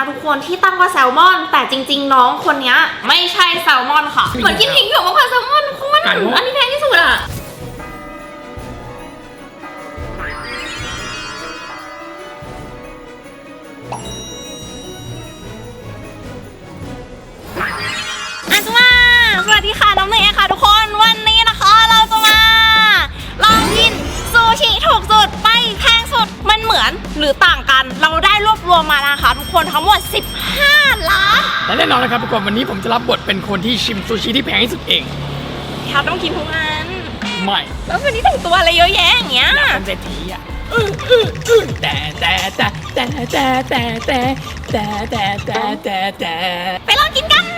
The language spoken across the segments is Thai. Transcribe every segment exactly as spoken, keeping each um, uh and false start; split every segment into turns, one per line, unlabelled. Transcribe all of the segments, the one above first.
ทุกคนที่ตั้งว่าแซลมอนแต่จริงๆน้องคนนี้ไม่ใช่แซลมอนค่ะเหมือนกินผิงเผือกมากกว่าแซลมอนคุณอันนี้แพงที่สุดอะอันจุมาสวัสดีค่ะน้องเนยค่ะทุกคนวันนี้นะคะเราจะมาลองกินซูชิถูกสุดไปแพงสุดมันเหมือนหรือต่างกันเราได้รวบรวมมานะคะทุกคนทั้งหมดสิบห้าล้าน
และแน่นอนนะครับทุกคนวันนี้ผมจะรับบทเป็นคนที่ชิมซูชิที่แพงที่สุดเอง
ครับต้องกินทุกอัน
ไม่
แล้ววันนี้แต่งตัวอะไรเยอะแยะอย่างเงี้ย
เป็นเศรษฐีอ่ะแต่แต่แต่แต่แต่แต่แต่แต่แต่แต่แต่แต่
ไปลองกินกัน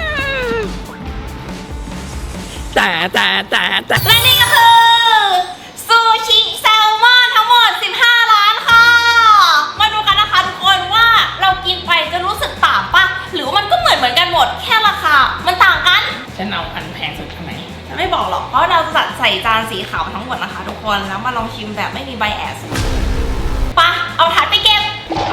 แต่แต่แต่แต่
และนี่ก็คือซูชิแซลมอนทั้งหมดสิบห้าล้านค่ะมาดูกันนะคะทุกคนว่าเรากินไปจะรู้สึกต่างปะหรือมันก็เหมือนเหมือนกันหมดแค่ราคามันต่างกัน
ฉันเอาอันแพงสุดทำไม
ฉันไม่บอกหรอกเพราะเราจะจัดใส่จานสีขาวทั้งหมดนะคะทุกคนแล้วมาลองชิมแบบไม่มีไบแอสปะเอาถาดไปเก็บ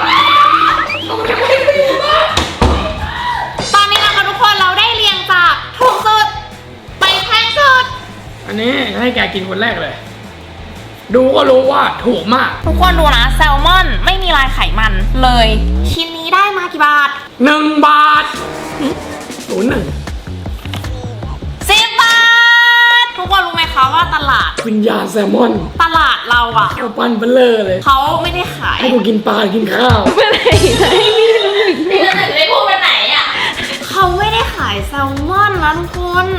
ตอนนี้นะคะทุกคนเราได้เรียงจากถูกสุดไปแพงสุด
อันนี้ให้แกกินคนแรกเลยดูก็รู้ว่าถูกมาก
ทุกคนดูนะแซลมอนไม่มีลายไขมันเลยชิ้นนี้ได้มากี่บาท
หนึ่งบาทศูนย์หนึ่ง
สิบบาททุกคนรู้ไหมคะว่าตลาด
วิญญาณแซลมอน
ตลาดเราอะ
เขาปั้นเบลเลอร์เลย
เขาไม่ได้ขาย
ให้กูกินปลากินข้าว
ไม่ได้ให้พี่พี่จะถึงได้พูดไปไหนอะเขาไม่ได้ขายแซลมอนนะทุกคน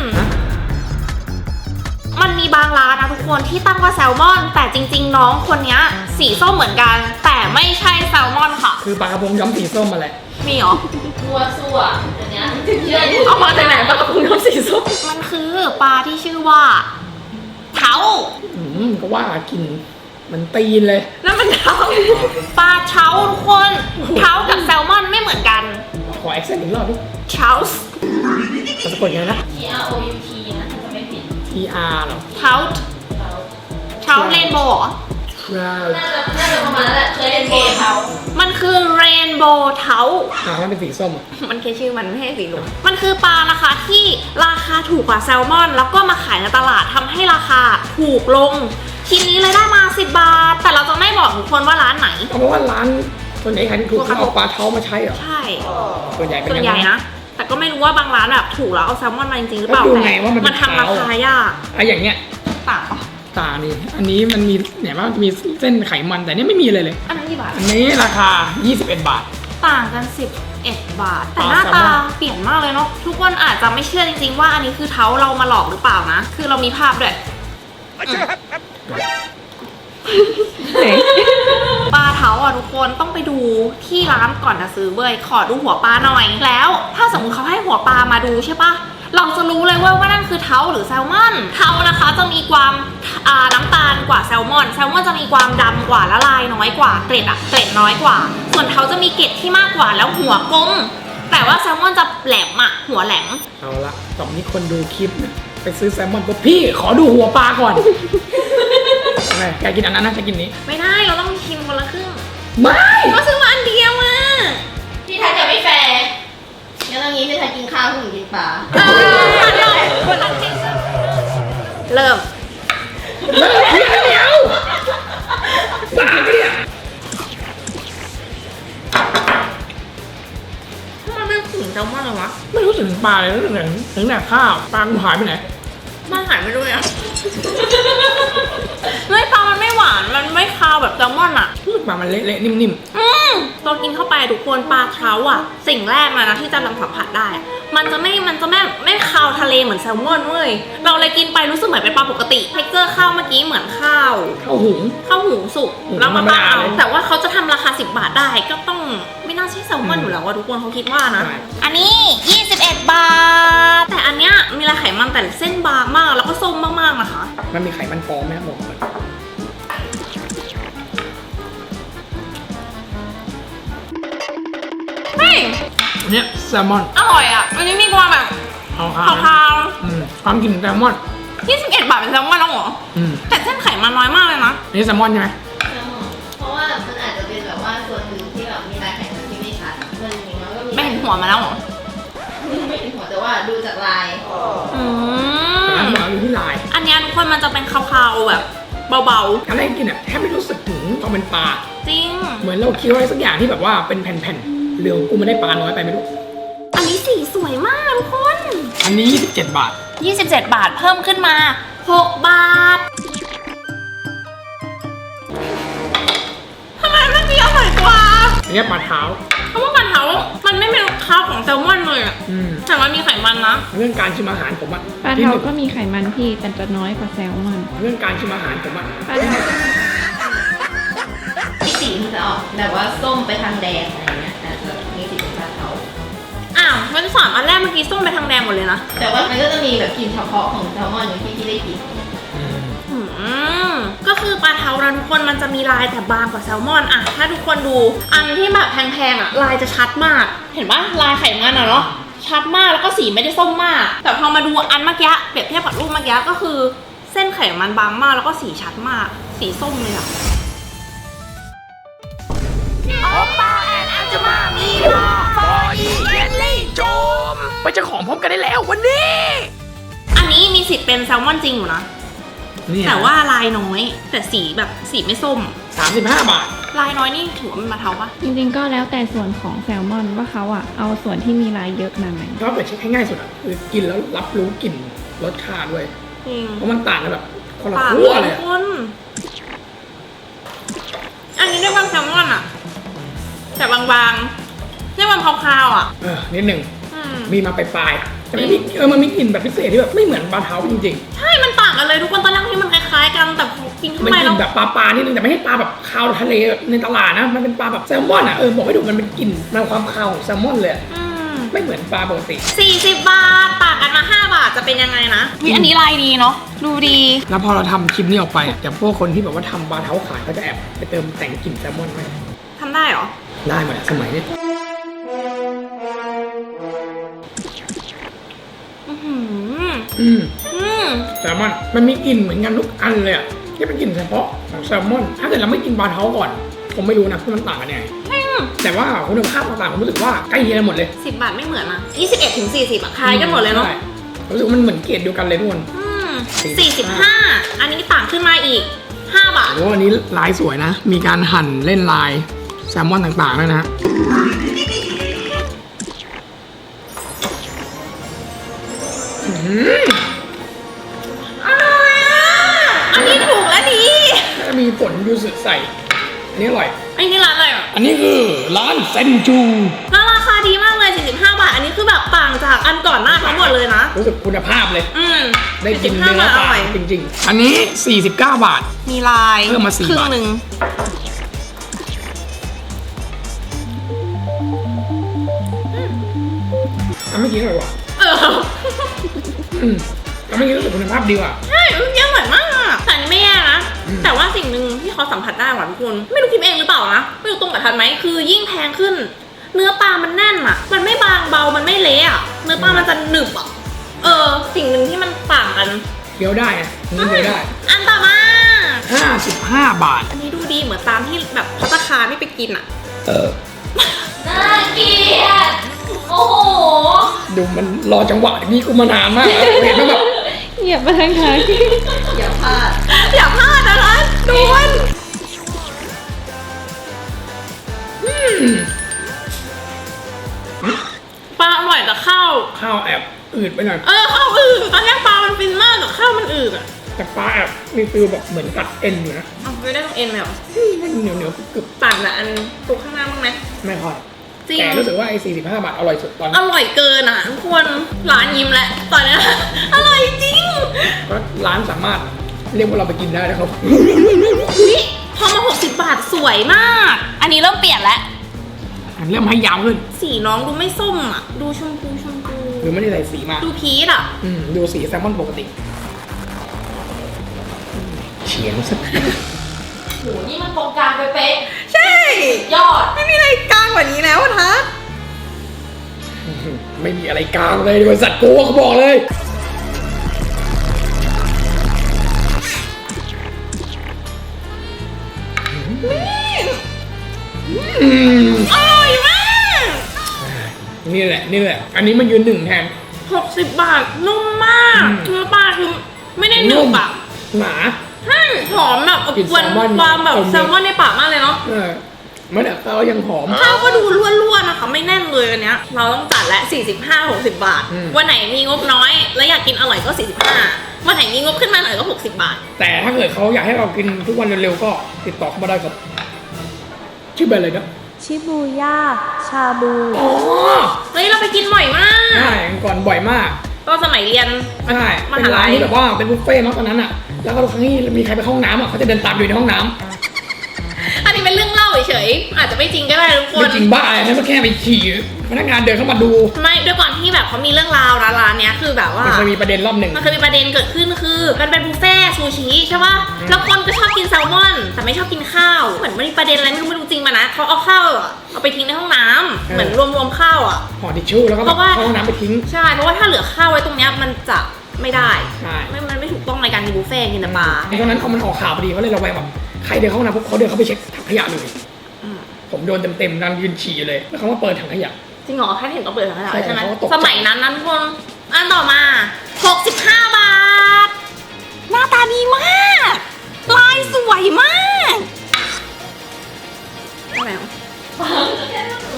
มันมีบางร้านนะทุกคนที่ตั้งว่าแซลมอนแต่จริงๆน้องคนนี้สีส้มเหมือนกันแต่ไม่ใช่แซลมอนค่ะ
คือปลากระพงย้อมสีส้มมาแหละ
มีเหรอ
มัวซั่วอันเนี้ย
เอามาจากไหนปลากระพงย้อมสีส้มมันคือปลาที่ชื่อว่าเท้า
อืมก็ว่ากินมันตีนเลย
แล้วมันเท้าปลาเท้าทุกคนเท้ากับแซลมอนไม่เหมือนกัน
ขอแอคเซนต์อีกรอบดิ
เท้า
จะสะกดยังไงนะ
T R O U T นะจะไม่ผิด
T R เหรอ
เท้าเท้าเรนโบว์
น่าจะน่าจะประมาณนั้นแหละเคยเล่นเกมเขา
มันคือเรนโบว์เท้า
อ่ามันเป็นสีส้ม
มันแค่ชื่อมันไม่ใช่สีเหลืองมันคือปลานะคะที่ราคาถูกกว่าแซลมอนแล้วก็มาขายในตลาดทำให้ราคาถูกลงชิ้นนี้เลยได้มาสิบบาทแต่เราจะไม่บอกทุกคนว่าร้านไหน
เพราะว่าร้านส่วนใหญ่ขายถูกเขาเอาปลาเท้ามาใช้เหรอ
ใช่
ส่วนใหญ่เป็น
ส่วนใหญ่นะแต่ก็ไม่รู้ว่าบางร้านแบบถูกแล้วเอาแซลมอนมาจริงๆหรือเปล่าแต่มันทำราคายาก
อะอย่างเงี้ย
ต่างปะ
ต่างนี่อันนี้มันมีเนี่ยว่ามีเส้นไขมันแต่นี่ไม่มีเลยเลย
อันนั้นกี่บาท
อันนี้ราคายี่สิบเอ็ดบาท
ต่างกันสิบเอ็ดบาทแต่หน้าตาเปลี่ยนมากเลยเนาะทุกคนอาจจะไม่เชื่อจริงๆว่าอันนี้คือเท้าเรามาหลอกหรือเปล่านะคือเรามีภาพด้วยปลาเท้าอ่ะทุกคนต้องไปดูที่ร้านก่อนจะซื้อเว้ยขอดูหัวปลาหน่อยแล้วถ้าสมมติเขาให้หัวปลามาดูใช่ปะเราจะรู้เลยว่าว่านั่นคือเท้าหรือแซลมอนเท้านะคะจะมีความน้ำตาลกว่าแซลมอนแซลมอนจะมีความดำกว่าละลายน้อยกว่าเกล็ดอะเกล็ดน้อยกว่าส่วนเท้าจะมีเกล็ดที่มากกว่าแล้วหัวกลมแต่ว่าแซลมอนจะแหลมอะหัวแหลม
เอาละตอนนี้คนดูคลิปไปซื้อแซลมอนปุ๊บพี่ขอดูหัวปลาก่อนไงแกกินอันนั้นนะจะกินนี้
ไม่ได้เราต้องชิมคนละครึ่ง
ไม่
ก็ซื้อมาอันเดียวมา
พี่ไทยจะไม่แฟร์งั้นตรงนี้พี่ไทยกินข้าวพี่หนูกินปลา
เออเลยคนละครึ่งเริ่ม
เริ่มเดี๋ยวปลาเนี่ย
มันไม่ถึงแซลมอนเลยวะ
ไม่รู้สึกถึงปลาเลยรู้สึกถึงถึงแต่ข้าวปลาหายไปไหน
มันหายไปด้วยอ่ะเฮ้ยปลามันไม่หวานมันไม่คาวแบบแซลมอนอ่ะ
ปลามันเละๆนิ่ม
ๆอืมตอนกินเข้าไปทุกคนปลาเท้าอ่ะสิ่งแรกเลยนะที่จะนำสัมผัสได้มันจะไม่มันจะไม่ไม่คาวทะเลเหมือนแซลมอนเว้ยเราเลยกินไปรู้สึกเหมือนเป็นปลาปกติเท็กเจอร์ข้าวเมื่อกี้เหมือนข้าว
ข้าวหุง
ข้าวหุงสุกแล้วมาตั้งเอาแต่ว่าเขาจะทำราคาสิบบาทได้ก็ต้องไม่น่าใช่แซลมอนอยู่แล้วว่าทุกคนเขาคิดว่านะอันนี้ยี่สิบเอ็ดบาทแต่อันเนี้ยมีลายไขมันแต่เส้นบางมากแล้วก็ส้มมากๆนะคะ
มันมีไขมันปลอมไหมบอกเลย
เฮ้ย
เนี่ยแซลมอน
อร่อยอ่ะอันนี้มีความแบบ
ขาว
ขาว
ความกลิ่นแซลมอน
ยี่สิบเอ็ดบาทเป็นแซลมอนแล้วเหรอแต่เส้นไขมันน้อยมากเลยนะ
นี่แซลมอนใช่ไหม
เพราะว่ามันอาจจะเป็นแบบว่าส่วนหนึ่งที่แบบมีลายไขมันที่ไม่ชัดมันมีมันก็มี
หัวมาแล้วเหรอ
ไม่เป็นหัวแต่ว่าดูจากลาย
อืม
ร้านหมาอยู่ที่ลาย
อันเนี้ยทุกคนมันจะเป็นคาวๆแบบเบา
อะไรกินอ่ะแทบไม่รู้สึกถึงความเป็นปลา
ๆ จริง
เหมือนเราเคี้ยวอะไรสักอย่างที่แบบว่าเป็นแผ่นๆเหลืองกูมันได้ปลาน้อยไปไม่รู้
อันนี้สีสวยมากทุกคน
อันนี้ยี่สิบเจ็ดบาท
ยี่สิบเจ็ดบาทเพิ่มขึ้นมาหกบาททำไมเมื่อกี้อร่อยกว่า
อันนี้ปลาเท้า
เพราะว่าปลาเท้ามันไม่มีข้าวของแซลมอนเลยอะ
อืม
แต่ว่ามีไขมันนะ
เรื่องการชิมอาหารผมอะ
ปลา
ที่
เทา
หนึ่ง
ก็มีไขมันพี่แต่จะน้อยกว่าแซลมอน
เรื่องการชิมอาหารผมอะ
ปลาเทา
ที่สีมันจะออกแบบว่าส้มไปทางแดงอะไรเงี้ยแต่จะมีสีเป็นปลาเทา
อ้าวมันสามอันแรกเมื่อกี้ส้มไปทางแดงหมดเลยนะ
แต่ว่ามันก็จะมีแบบกลิ่นเฉพาะของแซลมอนอยู่ที่ที่ได้กลิ่น
อืม
อืมก็คือปลาเทานะทุกคนมันจะมีลายแต่บางกว่าแซลมอนอะถ้าทุกคนดูอันที่แบบแพงๆอะลายจะชัดมาก เห็นปะลายไขมันอะเนาะชัดมากแล้วก็สีไม่ได้ส้มมาก แต่พอมาดูอันเมื่อกี้เปรียบเทียบกับรูปเมื่อกี้ก็คือ เส้นไขมันบางมากแล้วก็สีชัดมาก สีส้มเลยอะโอปาแอนอาจมามีลาฟอยีเยลลี่โจม
ไปเจ้าของพร้อมกันได้แล้ววันนี้
อันนี้มีสิทธิ์เป็นแซลมอนจริงอยู่นะ
เนี่ย
แต่ว่าลายน้อย แต่สีแบบสีไม่ส้ม
สามสิบห้าบาท
ลายน้อยนี่ถือว่ามันมาเทาปะ
จริงๆก็แล้วแต่ส่วนของแซลมอนว่าเขาอ่ะเอาส่วนที่มีลายเยอะมาไหม
ถ้าเปิดเช็คให้ง่ายสุดอะคือกินแล้วรับรู้กลิ่นรสชาติด้วย
จริง
เพราะมันต่างกันแบบคนละ
ปาก
ขั้ว
เล
เลย ย
ทุก
อะ
คน อันนี้ได้ความแซลมอนอะแต่บางๆได้ความคาวๆอะ
เออนิดหนึ่ง
อืม
มีมาปลายๆแต่มันมีเออมันมีกลิ่นแบบพิเศษที่แบบไม่เหมือนปลาเท้าจริง
ใช่ มันต่างกันเลยทุกคนตอนแรกที่มันคล้ายๆกันแต่พอกิน
ๆ
เข้า
มัน
ไป
กลิ่
แล้
น
ว
แบบปลาปลานิดนึงแต่ไม่ใช่ปลาแบบคาวทะเลในตลาดนะมันเป็นปลาแบบแซลมอนอะเออบอกไม่ถูกมันเป็นกลิ่นมันความคาวของแซลมอนเลยอะ
อืม
ไม่เหมือนปลาปกติ
สี่สิบบาท ต่างกันมาห้าบาทจะเป็นยังไงนะวิอันนี้ลายดีเนาะ ดูดี
แล้วพอเราทำคลิปนี้ออกไปอะแต่พวกคนที่แบบว่าทำปลาเท้าขายเขาจะแอบไปเติมแต่งกลิ่นแซลมอนไหม
ทำได้เหรอ
ได้หมดอะสมัยนี้
อือหือ
อืม
อืม
แซลมอนมันมีกลิ่นเหมือนกันทุกอันเลยอะที่เป็นกลิ่นเฉพาะของแซลมอน ถ้าเกิดเราไม่กินปลาเท้าก่อนผมไม่รู้นะว่ามันต่างกันยังไง
อืม
แต่ว่าคุณภาพต่างๆผมรู้สึกว่าใกล้เคียงกันหมดเลย
สิบบาทไม่เหมือนนะยี่สิบเอ็ดถึงสี่สิบอะคล้ายกันหมดเลยเนาะ
ใช่รู้สึกว่ามันเหมือนเกรดเดียวกันเลยทุกคน
อืมสี่สิบห้า อันนี้ต่างขึ้นมาอีกห้าบาท
โอ้อันนี้ลายสวยนะ มีการหั่นเล่นลายแซลมอนต่างๆด้วยนะฮะอื้อหือ
อร่อยอ่ะ อันนี้ถูกและดี
แล้วก็มีผลยูสุใส่ อันนี้อร่อย
อันนี้ร้านอะไรอ่ะ
อันนี้คือร้านเซนจู
แล้วราคาดีมากเลยสี่สิบห้าบาท อันนี้คือแบบต่างจากอันก่อนหน้าทั้งหมดเลยนะ
รู้สึกคุณภาพเลย
อืม
ได้กิน
สี่สิบ
เนื้
ห้า
อบ
าท
ป
อ
ลา
ร่อย
จริงๆ อันนี้ สี่สิบเก้า บาท
มีลาย
เพิ่มมาสี่
ครึ่ง
บาท
หนึ่ง
อันเมื่อกี้อร่อยกว่า
เออ
อืมอันเมื่อกี้รู้สึกคุณภาพดีกว่า
ใช่เมื่อกี้อร่อยมาก แต่อันนี้ไม่แย่นะ
อืม
แต่ว่าสิ่งหนึ่งที่เขาสัมผัสได้หวานทุกคน ไม่รู้คิดเองหรือเปล่านะ ไม่รู้ตรงกับทันไหม คือยิ่งแพงขึ้น เนื้อปลามันแน่นอ่ะ มันไม่บางเบา มันไม่เละอ่ะ เนื้อปลามันจะหนึบอ่ะ เออ สิ่งหนึ่งที่มันต่างกัน
เคี้ยวได้อะนี่เคี้ยวได้
อันต่อมา
ห้าสิบห้า บาท
อันนี้ดูดีเหมือนตามที่แบบพัตตาคารไม่ไปกินอ่ะ
เออ
น่าเกลียดโอ้โห
ดูมันรอจังหวะนี้กูมานานมากแล้วเห็นไหมแบบ
เหยียบมาทางไหน
อย่าพลาด
อย่าพลาดนะคะดูมัน
อืม
ปลาอร่อยแต่ข้าว
ข้าวแอบอืดไปหน่อย
เออข้าวอืดตอนแรกปลามันฟินมากแต่ข้าวมันอืดอ่ะ
แต่ปลาแอบมีฟิลแบบเหมือนกัดเอ็นอยู่นะ
เอาไปได้ตรงเอ็นไหมเหรอ
อืมมันเหนียวเหนียวๆกรึบ
ต่างจากอันตัวข้างหน้าบ้างไหม
ๆไม่ค่อย
จริง
แต่รู้สึกว่าไอ้สี่สิบห้า บาทอร่อยสุดตอน
อ
นี้
ร่อยเกินอ่ะทุกคนร้านยิ้มแล้วตอนเนี้ย อร่อยจริง
เพราะร้านสามารถเรียกว่าเราไปกินได้นะครับ
อุ๊ยพอมาหกสิบบาทสวยมาก อันนี้เริ่มเปลี่ยนแล้ว
เริ่มให้ยาวขึ้น
สีน้องดูไม่ส้มอ่ะ ดูชมพูชมพู
หรือไม่ได้ใส่สีมา
ดูพีชอ่ะ
อืมดูสีแซลมอนปกติเฉียงสัก
โห นี่มันตรงกลางเป๊ะ
ใช่
ๆยอด
ไม่มีอะไรกลางกว่านี้แล้วทัศ
ไม่มีอะไรกลางเลยบริษัทกูเขาบอกเลยอืม
อร่อยมาก
ยนี่แหละนี่แหละ อันนี้มันยืนหนึ่งแทน
หกสิบบาทนุ่มมาก
อืม
เนื้อปลาคือไม่ได้หนึบอะ
หนา
ใช่หอมแบบ
กลิ่น
วัน
แซลมอน
ความแบบ
ตรงนี้
แซลมอนในปากมากเลยเนาะ
เออมันแต่ข้าวยังหอม
ข้าวก็ดูร่วนๆนะคะไม่แน่นเลยอันเนี้ยเราต้องจัดและสี่สิบห้า หกสิบบาท
อืม
วันไหนมีงบน้อยแล้วอยากกินอร่อยก็สี่สิบห้าวันไหนมีงบขึ้นมาหน่อยก็หกสิบบาท
แต่ถ้าเกิดเขาอยากให้เรากินทุกวันเร็วๆก็ติดต่อเข้ามาได้ครับชื่อแบรนด์อะไรนะ
ชิบูย่า ชาบู
อ๋อ
เฮ้ยเราไปกินบ่อยมาก
ใช่ก่อนบ่อยมาก
ตอนสมัยเรียน
ใช่
ม
เป็น
หา
ร้า
ลั
น
ย
ที่แบบว่าเป็นบุฟเฟ่ต์เนาะตอนนั้นอ่ะแล้วก็ทุกครั้งที่มีใครไปเข้าห้องน้ำอ่ะเขาจะเดินตามอยู่ในห้องน้ำ
อันนี้เป็นเรื่องเล่าเฉยๆอาจจะไม่จริงก็ได้ทุกค
ไม่
น
จริงบ้าให้มันแค่ไปขี่พนักงานเดินเข้ามาดู
ไม่ด้วยก่อนที่แบบเขามีเรื่องราวนะร้านเนี้ยคือแบบว่า
มันเคยมีประเด็นรอบหนึ่ง
มันเคยมีประเด็นเกิดขึ้นคือมันเป็นบุฟเฟ่ต์ซูชิใช่ป่ะ
อืม
แล้วคนก็ชอบกินแซลมอน แต่ไม่ชอบกินข้าว เหมือนมันมีประเด็นอะไรไม่รู้ไม่รู้จริงมานะเขาเอาข้าวอะเอาไปทิ้งในห้องน้ำเหมือนรวมๆข้าวอ่ะ
ห่อทิชชู่แล้วก็
เพราะว่า
เข้าห้องน้ำไปทิ้ง
ใช่เพราะว่าถ้าเหลือข้าวไว้ตรงเนี้ยมันจะไม่ได้
ใช่
ไม่มันไม่ถูกต้องในการกินบุฟเฟ่ต์กินแต่ปลา
ตอนนั้นเอามันออกข่าวพอดีเขาเลยระแวงแบบใครเดินเข้าห้องน้ำปุ๊บเขาเดินเข้าไปเช็คถังขยะเลย
อืม
ผมโดนเต็มๆนั่งยืนฉี่เลยแล้วเขามาเปิดถังขยะ
จริงเหรอแค่เห็นก็เปิดแล้ว
ใช่
ใช่ไหม
เขาก็ตกใจ
สมัยนั้นนะทุกคนอันต่อมาหกสิบห้าบาท หน้าตาดีมาก ลายสวยมากอะไรวะ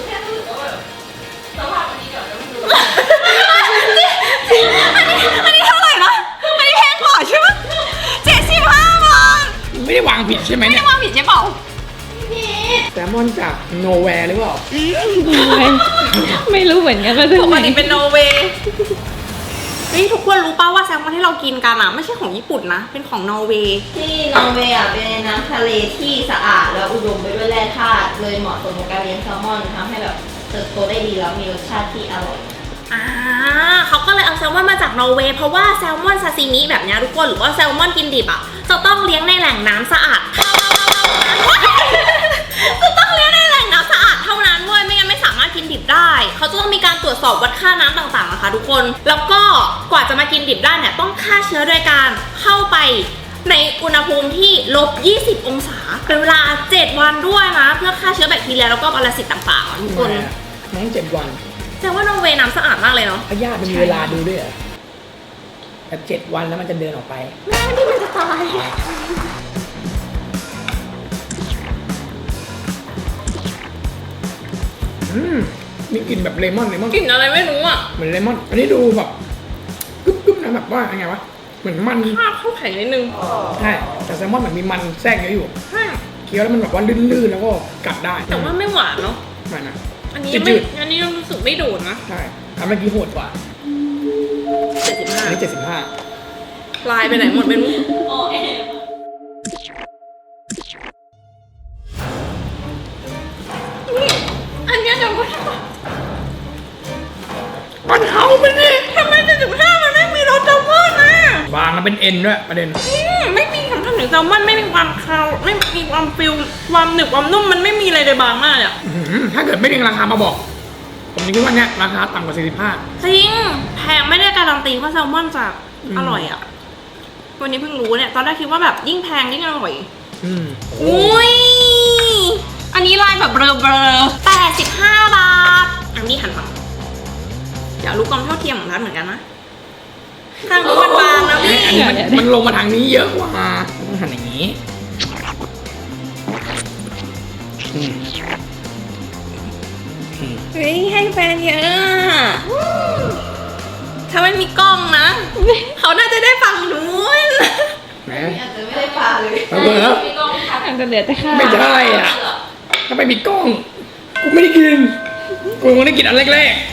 อันนี้อันนี้เท่าไหร่นะ อันนี้แพงกว่าใช่ไหมเจ็ดสิบห้าบาท
ไม่ได้วางผิดใช่ไหม
ไม่
เนี่
ได้
ย
ว่าผิดใช่เปล่า
แซลมอนจากโนแวร์หรือเปล่า
ไม่รู้เหมือนกันว่า
ปกติเป็นโนเวย์เฮ้ยทุกคนรู้ป่าวว่าแซลมอนที่เรากินกันอ่ะไม่ใช่ของญี่ปุ่นนะ เป็นของนอร์เวย์
ที่นอร์เวย์อ่ะเป็นน้ำทะเลที่สะอาดแล้วอุดมไปด้วยแร่ธาตุเลยเหมาะสมกับการเลี้ยงแซลมอนทำให้แบบเติบโตได้ดีแล้วมีรสชาติที่อร่อย
อ่าเขาก็เลยเอาแซลมอนมาจากนอร์เวย์เพราะว่าแซลมอนซาซิมิแบบเนี้ยทุกคนหรือว่าแซลมอนกินดิบอ่ะจะต้องเลี้ยงในแหล่งน้ำสะอาดจะต้องเลี้ยงในแหล่งน้ำสะอาดเท่านั้นเว้ยไม่งั้นไม่สามารถกินดิบได้เขาจะต้องมีการตรวจสอบวัดค่าน้ำต่างๆนะคะทุกคนแล้วก็กว่าจะมากินดิบได้เนี่ยต้องฆ่าเชื้อโดยการเข้าไปในอุณหภูมิที่ลบยี่สิบองศาเป็นเวลาเจ็ดวันด้วยนะเพื่อฆ่าเชื้อแบคทีเรียแล้วก็ปรสิตต่างๆอ่ะทุกคน
น้องเจ็ดวัน
แสดงว่านอร์เวย์น้ำสะอาดมากเลยเนาะ
พยาธิมันมีเวลาดูด้วยเหรอแต่เจ็ดวันแล้วมันจะเดินออกไป
แม่ที่มันจะตาย
อืมมีกลิ่นแบบเลมอนเลมอน
กลิ่นอะไรไม่รู้อ่ะ
เหมือนเลมอน อันนี้ดูแบบกึ๊บกึ๊บนะแบบว่าไงวะ เหมือนมัน
ข้าวเข้าแข็งนิดนึง
ใช่ แต่แซลมอนเหมือนมีมันแทรกเยอะอยู่
ใช่
เคี้ยวแล้วมันแบบว่าลื่นๆแล้วก็กัดได้
แต่ว่าไม่หวานเนาะ
ไม่นะ
อันนี้
จื
ไม่
ด
อันนี้รู้สึกไม่โดดนะ
ใช่ทำเมื่อกี้โหดกว่า
เจ็ดสิบห้า
อันนี้เจ็ดสิบห้า
ลายไปไหนหมดไม่รู้นี่อันเนี้ยเดี๋ยวก่อน
มันเฮามันนี่
ทำไมเจ็ดสิบห้ามันไม่มีรสแซลมอนอ่ะ
วางแล้วเป็นเอ็นด้วยประเด็น
อืมไม่มีคำทำถึงแซลมอนไม่มีความคาวไม่มีความฟิลความหนึบความนุ่มมันไม่มีอะไรเลยบางมากเลยอ่ะ
อื้อหือถ้าเกิดไม่ดึงราคามาบอก ผมคิดว่าเนี้ยราคาต่ำกว่าสี่สิบห้า
จริงแพงไม่ได้การันตีว่าแซลมอนจะ
อืม
อร่อยอ่ะวันนี้เพิ่งรู้เนี่ยตอนแรกคิดว่าแบบยิ่งแพงยิ่งอร่อย
อืมโอ้
อุ้ย อันนี้ลายแบบเบลอเบลอแปดสิบห้าบาท อันนี้หันมาอยากรู้ความเท่าเทียมของร้านเหมือนกันนะข้างนู้นมันบางนะพี่
อันนี้มันมันลงมาทางนี้เยอะกว่าต้องหันอย่างนี้อืมอืม
เฮ้ยให้แฟนเยอะอะถ้าไม่มีกล้องนะ เขาน่าจะได้ฟังนู้น
แหม
อาจจะไม่ได้ปลาเลย
เอาเบอร์
มีกล้องที่ทัก
อาจจะเหลือแต่ข้าว
ไม่ใช่อ่ะ ถ้าไม่มีกล้อง กูไม่ได้กิน กูไม่ได้กินอันแรก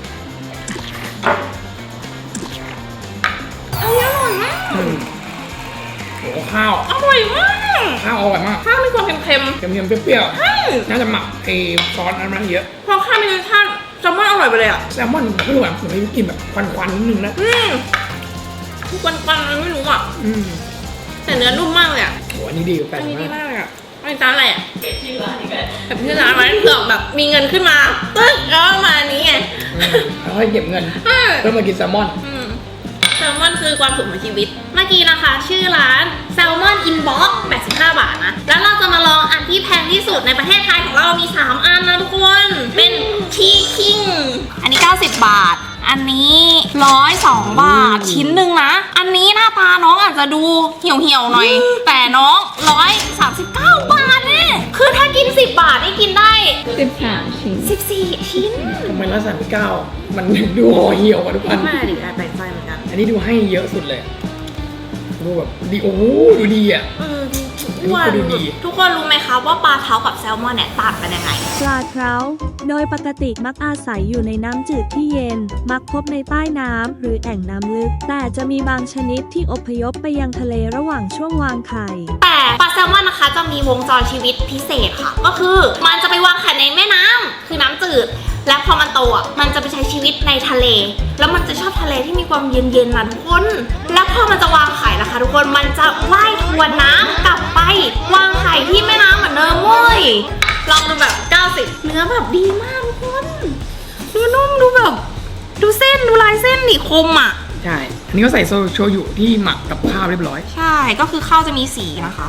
อันนี้อร่อยมาก
ๆอืมโอ้ข้าว
อร่อยมาก
ข้าวอร่อยมาก
ข้าวมีความเค็ม
เค็มๆเปรี้ยว
ๆใช่
ๆน่าจะหมักไอ้ซอสนั้นมาเยอะ
พอข้าวมีรสชาติแซลมอนอร่อยไปเลยอ่ะ
แซลมอนไม่รู้แบบผมไม่กินแบบควันๆนิดนึงนะ
อืมทุกวันปันไม่รู้อ่ะ
อืม
แต่เนื้อนุ่มมากเลยอ่ะ
โหอันนี้ดีกว่าแป
อั
ด
น
สิ
นี้
บห้า
ดีมากเลยอ่ะอันนี้ร้านอะไรอ่ะเก็บชื่อร้านนี้กันแบบชื่อร้านไว้เผื่อแบบมีเงินขึ้นมาตึ๊กแล้วมาอันนี้ไง
อืมแล้วค่อยเก็บเงิน
อืม
เพื่อมากินแซลมอน
อืมแซลมอนคือความสุขของชีวิต มากี้นะคะ ชื่อร้าน Salmon Inbox แปดสิบห้า บาทนะ แล้วเราจะมาลองอันที่แพงที่สุดในประเทศไทยของเรามีสามอันนะทุกคน เป็นชีคิงอันนี้เก้าสิบบาท อันนี้หนึ่งร้อยสองบาทชิ้นหนึ่งนะ อันนี้หน้าตาน้องอาจจะดูเหี่ยวเหี่ยวๆหน่อย แต่น้องหนึ่งร้อยสามสิบเก้าบาทเนี่ยคือถ้ากินสิบบาทนี่กินได้
สิบสามชิ้น
สิบสี่ชิ้น
ทำไมละสามสิบเก้ามันดูห่อเหี่ยวกว่าทุกอัน
มาดิแปลกใจเหมือนกัน
อันนี้ดูให้เยอะสุดเลยดูแบบดีโอ้โหดูดีอ่ะ
เออทุกคน
ดูดี
ทุกคนรู้ไหมคะว่าปลาเท้ากับแซลมอนเนี่ยต่างกันยังไง
ปลาเท้าโดยปกติมักอาศัยอยู่ในน้ำจืดที่เย็น มักพบในใต้น้ำหรือแอ่งน้ำลึก แต่จะมีบางชนิดที่อพยพไปยังทะเลระหว่างช่วงวางไข่
แต่ปลาแซลมอนนะคะจะมีวงจรชีวิตพิเศษค่ะ ก็คือมันจะไปวางไข่ในแม่น้ำคือน้ำจืด และพอมันโตอ่ะมันจะไปใช้ชีวิตในทะเล แล้วมันจะชอบทะเลที่มีความเย็นๆนะทุกคน แล้วพอมันจะวางไข่นะคะทุกคนมันจะว่ายทวนน้ำกลับไปวางไข่ที่แม่น้ำเหมือนเดิมเว้ยลองดูแบบเก้าสิบเนื้อแบบดีมากทุกคนดูนุ่มดูแบบดูเส้นดูลายเส้นนี่คมอ่ะ
ใช่ อันนี้ก็ใส่โซโชยุที่หมักกับข้าวเรียบร้อย
ใช่ก็คือข้าวจะมีสีนะคะ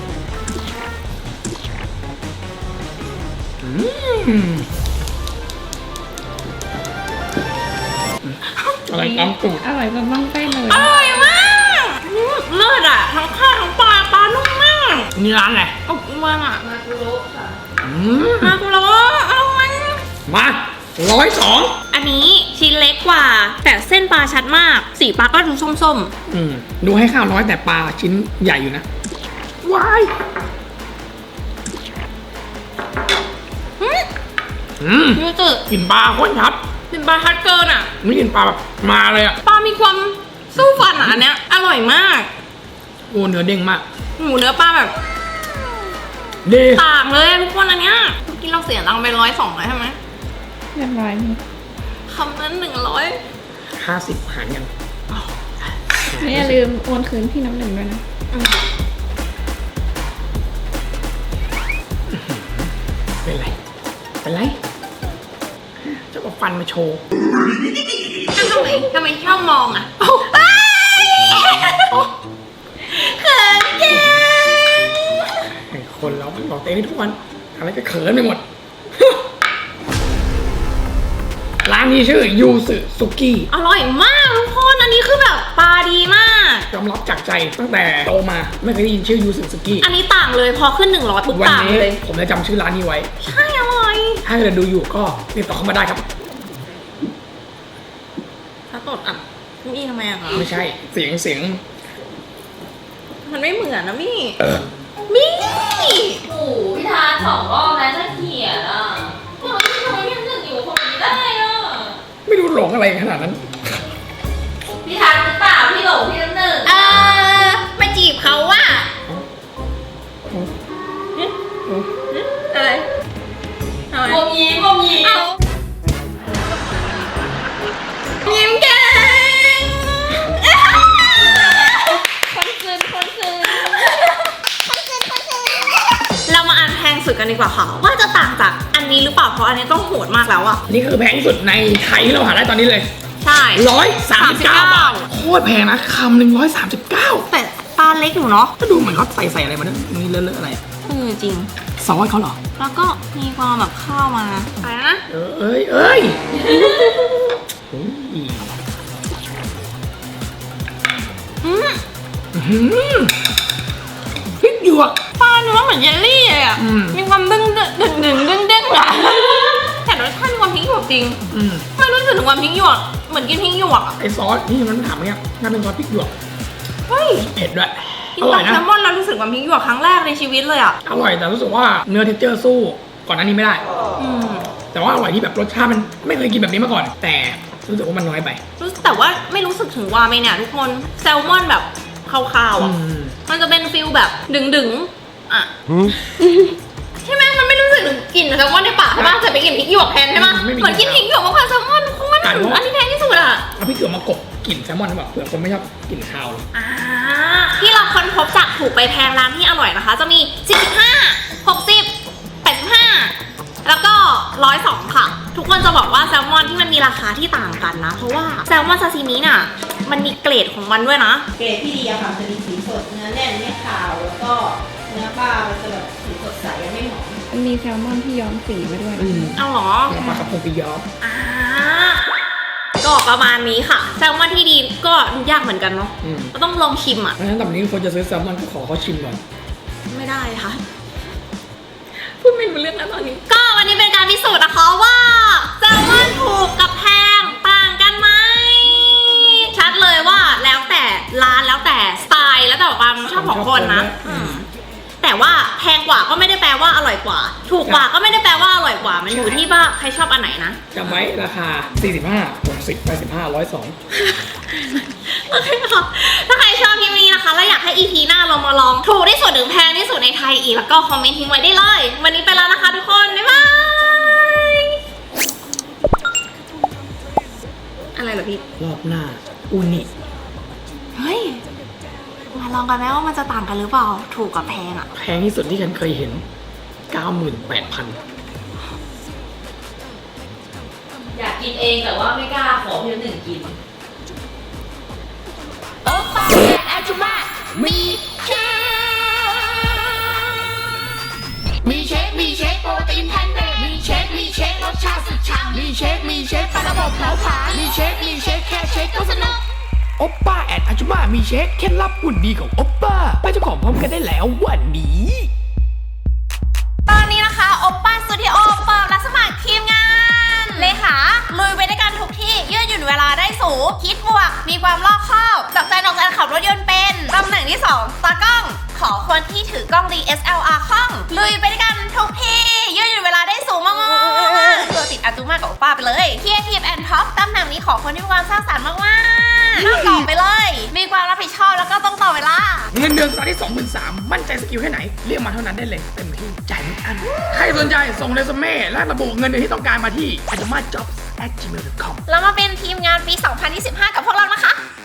อืมอะไรน้ำตูด
อร่อยจนต้องเต้นเลย
อร่อยมากอืมเลิศอ่ะทั้งข้าวทั้งปลาปลานุ่มมาก
นี่ร้านอะไร
อบอวงอ่ะ
มากุโระค่ะ
อืม
มาคุโร่เอามัน
มาร้อยสอง
อันนี้ชิ้นเล็กกว่า แต่เส้นปลาชัดมาก สีปลาก็ดูส้ม
อืมดูให้ข้าวน้อยแต่ปลาชิ้นใหญ่อยู่นะว้าย
ๆอืม
อืม
ดูจืด
กลิ่นปลาโคตรชัด
เป็นปลาชัดเกินอ่ะ
ไม่กลิ่นปลาแบบมาเลยอ่ะ
ปลามีความสู้ฟันอ่ะอันเนี้ยอร่อยมาก
โอ้เนื้อเด้งมาก
หมูเนื้อปลาแบบ
ดี
ต่างเลยอะทุกคนอันเนี้ยกินเราเสียตังค์ไปร้อยสองเลยใช่ไหม
เรียบร้อยนี่
คำนั้นหนึ่งร้อย
ห้าสิบหารกัน
ไม่อย่าลืมโอนคืนพี่น้ำหนึ่งด้วยนะ
เป็นไร เป็นไรเจ้าก็ฟันมาโชว์
ทำไมทำไมชอบมองอ่ะเอ้ยเขินเก่ง
ไอ้คนเรามันบอกเต้นทุกวัน อะไรก็เขินไปหมด ร้านนี้ชื่อยูสึสุกี้
อร่อยมากทุกคนอันนี้คือแบบปลาดีมาก
ยอมรับจากใจตั้งแต่โตมาไม่เคยได้ยินชื่อยูสึสุกี้
อันนี้ต่างเลยพอขึ้นหนึ่งร้อยปุ๊บ
วัน
ต่าง
นี้
เลย
ผมจะจำชื่อร้านนี้ไว้
ใช่อร่อย
ถ้าเกิดดูอยู่ก็ติดต่อเข้ามาได้ครับ
ถ้าตดอ่ะมี่ทำไมอะคะ
ไม่ใช่เสียงเสียง
มันไม่เหมือนนะมี่
เออ
มี่
โอ้โหพี่ทานสองรอบแล้วจะเขียนอ่ะพวกเราที่ทำไมยังนึกอยู่คนนี้ได้อ่ะ
ไม่รู้หลงอะไรขนาดนั้น
พี่ทานหรือเปล่าพี่หลงพี่น้ำหนึ่ง
เออมาจีบเขาว่ะอะไรทำไม
วงยิ้มวงยิ้ม
เอายิ้มเก่ง
คนคืนคนคืน
เรามาอันแพงสุดกันดีกว่าค่ะว่าจะต่างจากอันนี้หรือเปล่าเพราะอันนี้ต้องโหดมากแล้วอะ
นี่คือแพงที่สุดในไทยที่เราหาได้ตอนนี้เลย
ใช่
ร้อยสามสิบเก้าบาทโคตรแพงนะคำหนึ่งร้อยสามสิบเก้า
แต่ตาเล็กอยู่เนาะ
ก็ดูเหมือนเขาใส่ใส่อะไรมาเนี่ยนี่เลอะๆอะไร
เออจริง
ซอสเขาเหรอ
แล้วก็มีความแบบข้าวมาอะไรนะ
เออเอ้ยเอ้ยโอ้ย
อืม
อื้อหือพริกหยวก
ปลาเนื้อเหมือนเยลลี่เลยอะ
อืม
มีความดึงดึงดึงดึงดึงดึงอะแต่รสชาติมีความพริกหยวกจริง
อืม
ไม่รู้สึกถึงความพริกหยวกเหมือนกินพริกหยวกอะ
ไอซอสนี่มันถามเนี่ยน่าเป็นซอสพริกหยวก
เฮ้ย
เผ็ดด้วย
กิน
อร่
ป
อ
ลาย
นะ
แซลมอนแล้วรู้สึกความพริกหยวกครั้งแรกในชีวิตเลยอะ
อร่อยแต่รู้สึกว่าเนื้อเท็กเจอร์สู้ก่อนหน้านี้ไม่ได้
อืม
แต่ว่าอร่อยที่แบบรสชาติมันไม่เคยกินแบบนี้มาก่อน แต่รู้สึกว่ามันน้อยไป
รู้สึกแต่ว่าไม่รู้สึกถึงวาเมเนี่ยทุกคนแซลมอนแบบคาวๆ
อื
อะ
ม
มันจะเป็นฟิลแบบดึงๆอ่ะใช่ไหมมันไม่รู้สึกถึงกลิ่นแซลมอนในปากใช่ปะจะไปกินพริกหยวกแทนใช่ปะเหมือนกินพริกหยวกมากกว่าแซลมอนทุกคนอันนี้แพงที่สุดอะ
เอาพริกหยวกมากบกลิ่นแซลมอนหรือเปล่าเผื่อคนไม่ชอบกลิ่นคาว
อ่าที่เราค้นพบจากถูกไปแพงร้านที่อร่อยนะคะ จะมีสี่สิบห้า หกสิบ แปดสิบห้าแล้วก็หนึ่งร้อยสองค่ะ ทุกคนจะบอกว่าแซลมอนที่มันมีราคาที่ต่างกันนะ เพราะว่าแซลมอนซาซิมิน่ะมันมีเกรดของมันด้วยนะ
เกรดที่ดีอะค่ะจะมีสีสดเนื้อแน่นไม่ขาวแล้วก็เนื้อปลามันจะแบบสีสดใสยังไม่หมอง
มันมีแซลมอนที่ย้อมสีมาด้วย
อืม
เอาเหรอ
หัวปลากระพงปีย้อม
อ่าก็ประมาณนี้ค่ะแซลมอนที่ดีก็ยากเหมือนกันเนาะ
อืม
ก็ต้องลองชิมอ่ะ
เพราะฉะนั้นตอนนี้คนจะซื้อแซลมอนก็ขอเขาชิมก่อน
ไม่ได้ค่ะพูดไม่รู้เรื่องแล้วตอนนี้ ก็วันนี้เป็นการพิสูจน์นะคะว่าแซลมอนถูกกับแพงต่างกันไหมชัดเลยว่าแล้วแต่ร้านแล้วแต่สไตล์แล้วแต่ความชอบของคนนะ
อืม
แต่ว่าแพงกว่าก็ไม่ได้แปลว่าอร่อยกว่า ถูกกว่าก็ไม่ได้แปลว่าอร่อยกว่า มันอยู่ที่ว่าใครชอบอันไหนนะ
จำไว้ราคา สี่สิบห้า หกสิบ แปดสิบห้า หนึ่งร้อยสอง
โอเคค่ะถ้าใครชอบคลิปนี้นะคะแล้วอยากให้ อี พี หน้าเรามาลองถูกที่สุดถึงแพงที่สุดในไทยอีกแล้วก็คอมเมนต์ทิ้งไว้ได้เลย วันนี้ไปแล้วนะคะทุกคน บ๊ายบาย อะไรเหรอพี่
รอบหน้า อูนิ
เฮ้ย มาลองกันไหมว่ามันจะต่างกันหรือเปล่า ถูกกับแพงอะ
แพงที่สุดที่ฉันเคยเห็น เก้าหมื่นแปดพัน
อยากกินเองแต่ว่าไม่กล้าขอเพียงหนึ่งกิน
มีเชค มีเชคโปรตีนแพนเนตมีเชค มีเชครสชาติสุดฉ่ำมีเชค มีเชคปลาระบบเผาผลาญมีเชค มีเชคแค่เชคก็สนุก
โอปป้าแอดอาจุมามีเช็คเคล็ดลับหุ่นดีของโอปป้าไปเจ้าของพร้อมกันได้แล้ววันนี้
ตอนนี้นะคะโอปป้าสตูดิโอเปิดรับสมัครทีมงานเลยค่ะลุยไปด้วยกันทุกที่ยืดหยุ่นเวลาได้สูงคิดบวก มีความรอบคอบจับใจนอกใจขับรถยนต์เป็นตำแหน่งที่สองตากล้อง ขอคนที่ถือกล้อง ดี เอส แอล อาร์ คล่องลุยไปด้วยกันทุกที่ยืดหยุ่นเวลาได้สูงมากๆตัวติดอาตุมากับโอปป้าไปเลยเคียร์ทีมแอนด์ท็อปตำแหน่งนี้ขอคนที่มีความสร้างสรรค์มากๆต้องตอบไปเลย มีความรับผิดชอบแล้วก็ต้องต่อเวลา
เงินเดือนสตาร์ทที่ สองหมื่นสามพัน มั่นใจสกิลแค่ไหน เรียกมาเท่านั้นได้เลย เต็มที่จ่ายไม่อัน ใครสนใจส่งเรซูเม่และระบุเงินเดือนที่ต้องการมาที่ a j u m a jobs at gmail dot com
แล้วมาเป็น